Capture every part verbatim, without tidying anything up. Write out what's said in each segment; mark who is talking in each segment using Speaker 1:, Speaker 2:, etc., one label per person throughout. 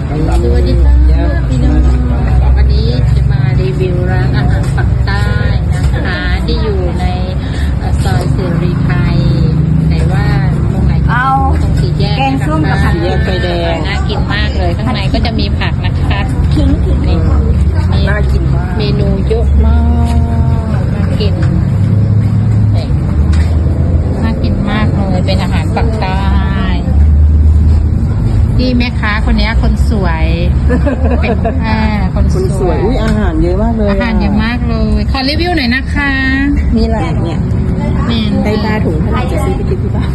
Speaker 1: สวัสดีค่ะพี่น้องวันนี้จะมารีวิวร้านอาหารปักใต้นะคะที่อยู่ในซอยเสรีไทยไหนว่าตรงไหนเอาตรงสี่แยกนะคะสี่แยกไฟแดงน่ากินมากเลยข้างในก็จะมีผักนะคะทิ้งถึงนี่น่ากินมากเมนูเยอะมากน่ากินน่ากินมากเลยเป็นอาหารปักใต้ที่แม่ค้าคนนี้คนสวยเป็นอ่าคนสวย
Speaker 2: อุ้ยอาหารเยอะมากเลย
Speaker 1: อาหารเยอะมากเลยขอรีวิวหน่อยนะคะ
Speaker 2: มีอะไรเนี่ย
Speaker 1: เมน
Speaker 2: ไก่ปลาถุงเท่าไหร่จะซื้อไปกินที่บ้าน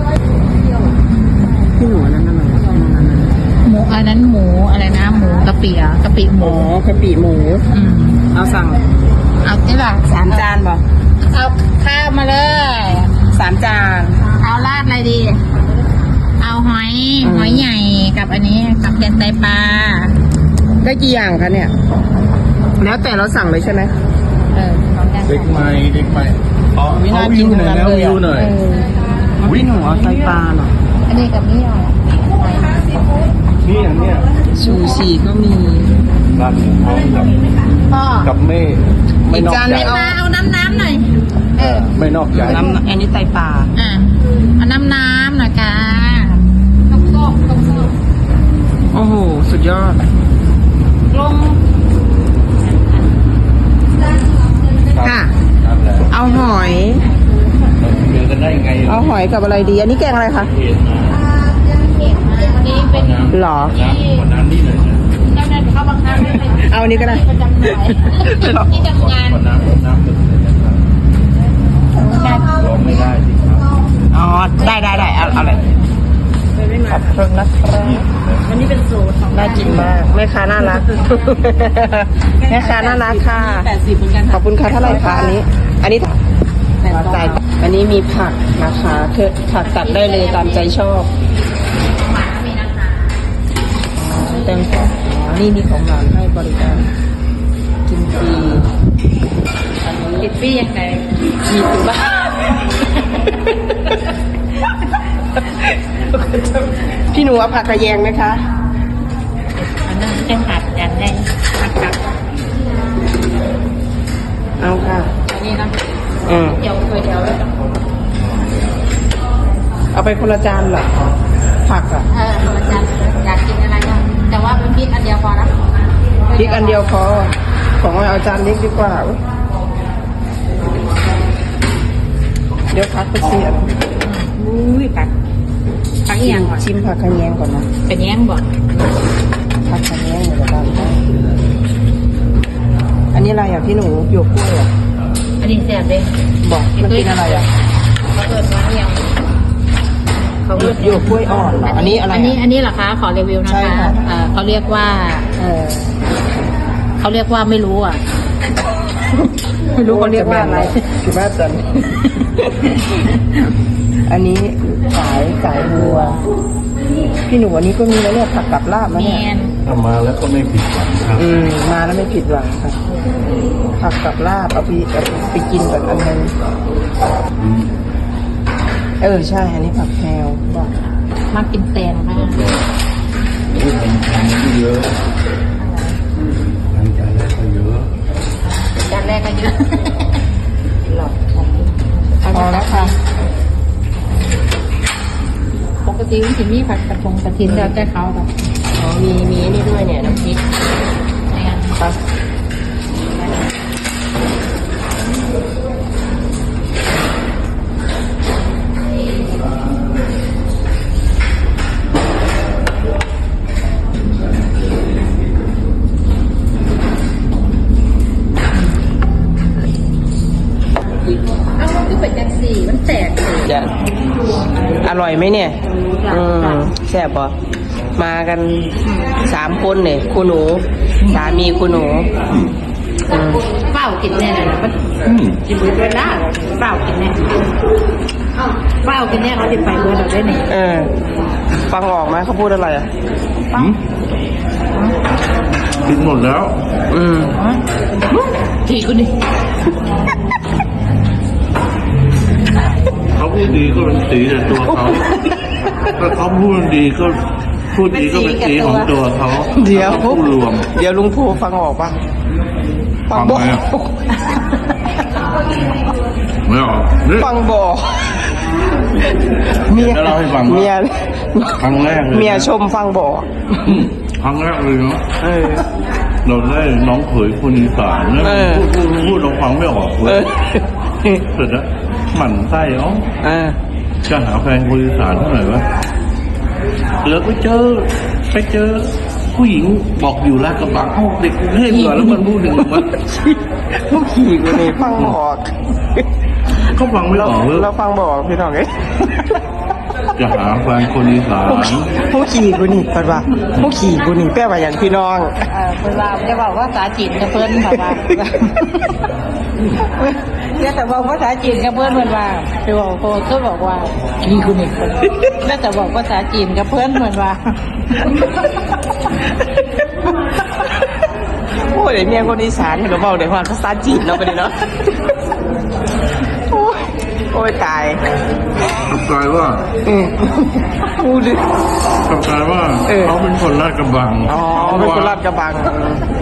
Speaker 2: ที่หนูนั่นนั่น
Speaker 1: หมูอันนั้นหมูอะไรนะหมูกะปิอ่ะกะปิหมู
Speaker 2: อ๋อกะปิหมูเอาสั่ง
Speaker 1: เอาที่หลัง
Speaker 2: สามจานบ่
Speaker 1: เอาข้าวมาเลย
Speaker 2: สามจาน
Speaker 1: เอาราดอะไรดีเอาหอยหอยใหญ่กับอันนี้กับแกงไตปลา
Speaker 2: ได้กี่อย่างคะเนี่ยแล้วแต่เราสั่งเลยใช่ไหม
Speaker 1: เออ
Speaker 3: เด็กใหม่เด็กใหม่
Speaker 2: อ๋อไม่น่ากินหน่อยแล้ววิวหน่อยวิ่งหนูเอาไตปลาหน่อย
Speaker 1: อันนี้กับนี่เอา
Speaker 3: นี่อย่างเนี้ย
Speaker 2: ซูชิก็มี
Speaker 3: ร้านหมูพร้อมกับกับไม่ไม่นอกใจ
Speaker 1: เอาน้ำน้ำหน่อยเออ
Speaker 3: ไม่นอกใจ
Speaker 2: น้ำอันนี้ไตปลา
Speaker 1: อ่ะเอาน้ำน้ำหน่อยค่ะต้มส้มต้มส้ม
Speaker 2: โอ้โหสุดยอด
Speaker 1: ลง
Speaker 2: ค่ะเอาหอย
Speaker 3: เจอกันได้ไง
Speaker 2: เอาหอยกับอะไรดีอันนี้แกงอะไรคะ
Speaker 1: นี่เป็น
Speaker 2: หรอ
Speaker 3: น้ำนี่เลย
Speaker 1: น้ำน้ำเขาบางครั้งไม่เป็น
Speaker 2: เอาอันนี้ก็ได้
Speaker 1: ประจำหน่อยที่ทำงาน
Speaker 3: น้ำน้ำลงไม่ได้สิครับ
Speaker 2: อ๋อได้ได้ได้เอาอะไรขอบคุณนะครับ
Speaker 1: วันนี้เป็นสูตรของ
Speaker 2: น่ากินมากแม่ค้าน่ารักแม่ค้าน่ารักค่ะขอบคุณค่ะเท่าไหร่คะอันนี้อันนี้ใส่อันนี้มีผักนะคะคือผักตัดได้เลยตามใจชอบเต็มที่นี่มีของร้านให้บริการกินฟรี
Speaker 1: กินฟรียังไง
Speaker 2: จีบบ้าพี่หนูเอาผักกระแยงไหมคะ
Speaker 1: อันนั้นเป็นผัดกันได้ผัดกับ
Speaker 2: เอาค่ะ
Speaker 1: อันนี้นะ
Speaker 2: อืม
Speaker 1: เดี๋ยวเคยเดี๋ยวเลย
Speaker 2: เอาไปคนละจานเหรอผักอ่ะ
Speaker 1: เออคนละจานอยากกินอะไรก็แต่ว่าเป็นพริกอันเดียวพอนะ
Speaker 2: พริกอันเดียวพอของเราเอาจานเล็กดีกว่าเดี๋ยวพักไปเสีย
Speaker 1: อุ้ยผักผักเอียงก่อน
Speaker 2: ชิมผักกระแยงก่อนนะ
Speaker 1: กระแยงก่อน
Speaker 2: ผักกระแยงเดี๋ยวเราอันนี้อะไรอ่ะพี่หนูหยวกกล้วยอ่ะ
Speaker 1: อันนี้แซ่บเลย
Speaker 2: บอกมันเป็นอะไรอ่ะ
Speaker 1: เขาเปิดมาเอียง
Speaker 2: เขาเรียกหยวกกล้วยอ่อนเหรออันนี้อะไร
Speaker 1: อันนี้อันนี้เหรอคะขอรีวิวนะคะเขาเรียกว่าเออเขาเรียกว่าไม่รู้อ่ะ
Speaker 2: ไม่รู้เขาเรียกว่าอะไรคือว่าจันอันนี้สายสายบัวพี่หนูอันนี้ก็มีแล้วเนี่ยผักกับลาบมาเนี่ย
Speaker 3: มาแล้วก็ไม่ผิดหวังครับ
Speaker 2: อืมมาแล้วไม่ผิดหวังค่ะผักกับลาบเอาไปเอาไปกินกับอันนึงเออใช่อันนี้ผักแพรวบอก
Speaker 1: มากินแตงค่ะ
Speaker 3: นี่ทำทำเยอะจานแรกก็เยอะ
Speaker 1: จานแรกก็เยอะ
Speaker 2: หลอดพอแล้วค่ะ
Speaker 1: ปกติมันจะมีผัดกระพงกระถินแล้วแต่เขาแบบ
Speaker 2: อ๋อมีมีนี่ด้วยเนี่ยน้ำพริกครับ
Speaker 1: เอาคือเป็นจังสี่มันแตก
Speaker 2: จะอร่อยไหมเนี่ยอืมแซ่บป่ะมากันสามคนเนี่ยคุณหนูสามีคุณหนู
Speaker 1: เฝ้ากินแน่เลยนะมันกินเบื่อได้เฝ้ากินแน่เฝ้ากินแน่เขาติดไปเบื่อเราได้เนี่ย
Speaker 2: เออฟังออกไหมเขาพูดอะไรอ่ะ
Speaker 3: กินหมดแล้ว
Speaker 2: อืม
Speaker 1: ทีกูดิ
Speaker 3: เขาพูดดีก็เป็นสีแต่ตัวเขาถ้าเขาพูดดีก็พูดดีก็เป็นสีของตัวเขา
Speaker 2: เดี๋ยว
Speaker 3: ผู้รวม
Speaker 2: เดี๋ยวลุงภูฟังออกปะ
Speaker 3: ฟังไหมอะ ไม่ออกนี่
Speaker 2: ฟังบอกเมีย
Speaker 3: จะเล่าให้ฟังว่า
Speaker 2: เมีย
Speaker 3: ครั้งแรกเลยนะ
Speaker 2: เมียชมฟังบอก
Speaker 3: อืมครั้งแรกเลยเนาะ
Speaker 2: เออ
Speaker 3: เราได้น้องเขยคนอีสานเนี่ย
Speaker 2: เออ
Speaker 3: พูดพูดพูดเราฟังไม่ออกเล
Speaker 2: เอย อ
Speaker 3: เสร็จแล้วหมั่นไส้เอ้า
Speaker 2: เออ
Speaker 3: จะหาแฟนคนอีสานเท่าไหร่วะแล้วก็เจอไปเจอ ผู้หญิงบอกอยู่ลาดกระบังเอ้าเด็กกรุงเทพเหรอแล้วมันพูดถึงมัน
Speaker 2: ผู้ขี่กูนี่ฟังบอก
Speaker 3: เขาฟังไม่ออกเลย
Speaker 2: เราฟังบอกพี่น้องเอ้ย
Speaker 3: จะหาแฟนคนอีสาน
Speaker 2: ผู้ขี่กูนี่แปลว่าผู้ขี่กูนี่แปลว่าอย่างพี่น้อง
Speaker 1: เออเวลาจะบอกว่าภาษาจีนกับเพิ่นแบบว่าเนี่ยแต่บอกภาษาจีนกับเพิ่นเพิ่นว่าไปบอกโคก็บอกว่าขี่คุณอีกคนแล้วแต่บอกภาษาจีนกับเพิ่นเหมือนว่า
Speaker 2: โอ้ยเมียคนอีสานเห็นก็บอกในความภาษาจีนเนาะไปเลยเนาะโอ้ยโอ้ยตาย
Speaker 3: กลับกลายว่า
Speaker 2: อืมพูดดิ
Speaker 3: กลับกลายว่า
Speaker 2: เออ
Speaker 3: เขาเป็นคนลาดกระบัง
Speaker 2: อ๋อเป็นคนลาดกระบัง